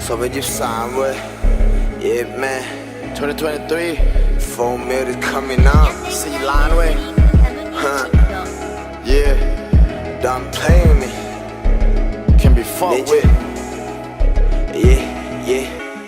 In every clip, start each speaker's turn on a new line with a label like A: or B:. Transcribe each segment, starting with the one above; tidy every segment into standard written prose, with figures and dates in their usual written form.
A: 2023 เว้ย Yeah man
B: 2023
A: 4 mil is coming out
B: 4 ล้านเว้ย
A: Huh Yeah Don't play with me
B: Can be fucked with
A: Yeah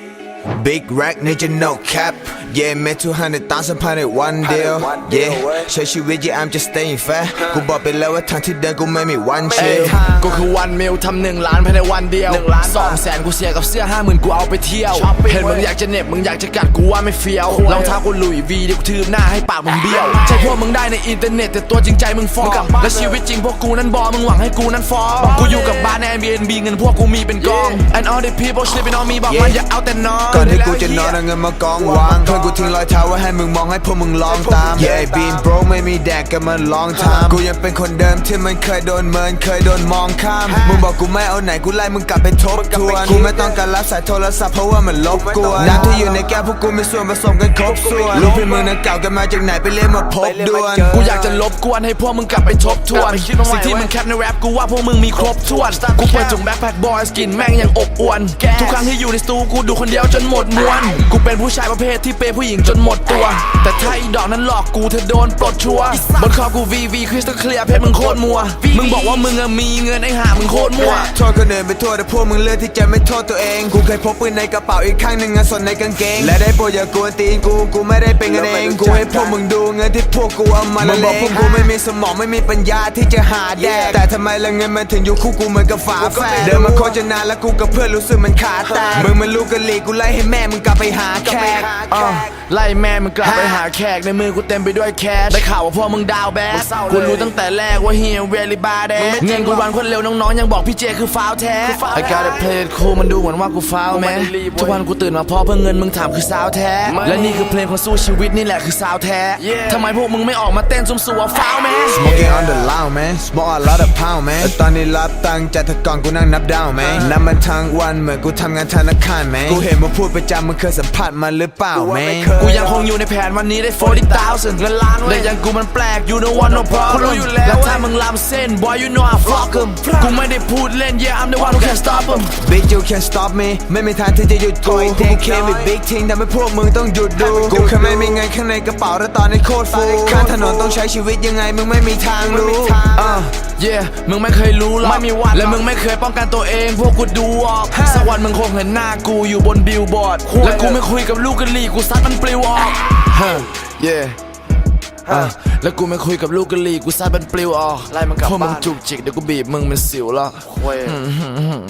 A: Big rack ninja no cap Yeah แม้200,000ภายในวันเดียว Yeah ใช้ชีวิต Yeah I'm just staying fat กูบอกไปแล้วว่าทางที่เดินกูไม่มีวันชิล
B: กูคือวันมิลทำ1 ล้านภายในวันเดียว200,000กูเสียกับเสื้อ 50,000 กูเอาไปเที่ยวเห็นมึงอยากจะเหน็บมึงอยากจะกัดกูว่าไม่เฟี้ยวรองเท้ากูหลุยวีเดี๋ยวกูทืบหน้าให้ปากมึงเบี้ยวใช่พวกมึงได้ในอินเทอร์เน็ตแต่ตัวจริงใจมึงฟอร์และชีวิตจริงพวกกูนั้นบอมึงหวังให้กูนั้นฟอร์กูอยู่กับบ้านใน Airbnb เงินพวกกูมีเป็นกอง And all the people sleeping on me บอกมันอย่าเอาแต่นอน
A: ก่อนที่กูจะนอนเอาเงินมากองวางเพื่อนกูทิ้งรอยเท้าไว้ให้มึงมองให้พวกมึงลองตาม Yeah been broke ไม่มีแดกกันมันลองทำกูยังเป็นคนเดิมที่มันเคยโดนเมินเคยโดนมองข้ามมึงบอกกูไม่เอาไหนกูไล่มึงกลับไปทบทวนกูไม่ต้องการรับสายโทรศัพท์เพราะว่ามันลบกวนน้ำที่อยู่ในแก้วพวกกูมีส่วนผสมกันครบส่วนลูกพี่มึงนั้นเก่ากันมาจากไหนไปเรียนมาพบด่วน
B: กูอยากจะลบกวนให้พวกมึงกลับไปทบทวนสิ่งที่มึงแคปในแรปกูว่าพวกมึงมีครบถ้วนกูเปิดถุงแบ็คแพ็คบอยสกินแม่งยังอบอวนทุกครั้งที่อยู่ในสตูกูดูคนเดียวจนหมดมวนกูเป็นผู้ชายประเภทที่เปย์ผู้หญิงจนหมดตัวแต่ถ้าอีดอกนั้นหลอกกูเธอโดนปลดชัวบนคอกู VV คริสตัลเคลียร์เพชรมึงโคตรมัวมึงบอกว่ามึงมีเงินไอ้ห่ามึงโคตรมั่ว
A: โทษคนอื่นไปทั่วแต่พวกมึงเลือกที่จะไม่โทษตัวเองกูเคยพกปืนในกระเป๋าอีกข้างหนึ่งเงินสดในกางเกงและได้โปรดอย่ากวนตีนกูไม่ได้เป็นกันเองกูให้พวกมึงดูเงินที่พวกกูเอามาละเลงมึงบอกพวกกูไม่มีสมองไม่มีปัญญาที่จะหาแดกแต่ทำไมละเงินมันถึงอยู่คู่กูเหมือนกับฝาแฝดเดินมาโคจรนานแล้วกูกับเพื่อนรู้สึกมันขาดแตกมึงมันลูกกะหรี่กูไล่ให้แม่มึงกลับไปหาแขก
B: ไล่แม่มึงกลับไปหาแขกในมือกูเต็มไปด้วยแคชได้ข่าวว่าพวกมึงดาวแบดกูรู้ตั้งแต่แรกว่าเฮียเวลิบาเดเงินกูวันคนเร็วน้องๆยังบอกพี่เจคือฟาวแท้ I gotta play it cool มันดูเหมือนว่ากูฟาวแมนทุกวันกูตื่นมาเพราะเพื่อเงินมึงถามคือสาวแท้และนี่คือเพลงของสู้ชีวิตนี่แหละคือสาวแท้ทำไมพวกมึงไม่ออกมาเต้นซุ่มสัวฟาวแมน
A: Smoking on the loud man smoke a lot of pound man แต่ตอนนี้รับตังค์จากแต่ก่อนกูนั่งนับดาวแมนนับมันทั้งวันเหมือนกูทำงานธนาคารแมนกูเห็นมึงพูดประจำมึงเคยสัมผัสมันหรือเปล่าแมน
B: กูยังคงอยู่ในแผนวันนี้ได้ 40,000 เงินล้านเลยยังกูมันแปลก you know what no problem รู้อยู่แล้วถ้ามึงลำเส้น boy you know I fuck em กูไม่ได้พูดเล่น yeah I'm the one who can't stop em
A: Bitch you can't stop me ไม่มีทางที่จะหยุดกูกูเคมี big team ทำให้พวกมึงต้องหยุดดูกูแค่ไม่มีเงินข้างในกระเป๋าและตอนนี้โคตรฟูข้างถนนต้องใช้ชีวิตยังไงมึงไม่มีทางรู้
B: yeah มึงไม่เคยรู้หรอกและมึงไม่เคยป้องกันตัวเองพวกกูดูออกสักวันมึงคงเห็นหน้ากูอยู่บนบิลบอร์ดและกูไม่คุยกับลูกกะหรี่กูซัดมันปลิวออกyeah แล้วกูไม่คุยกับลูกกะหรี่กูซัดมันปลิวออกพวกมึงจุกจิกเดี๋ยวกูบีบมึงเป็นสิวแล้ว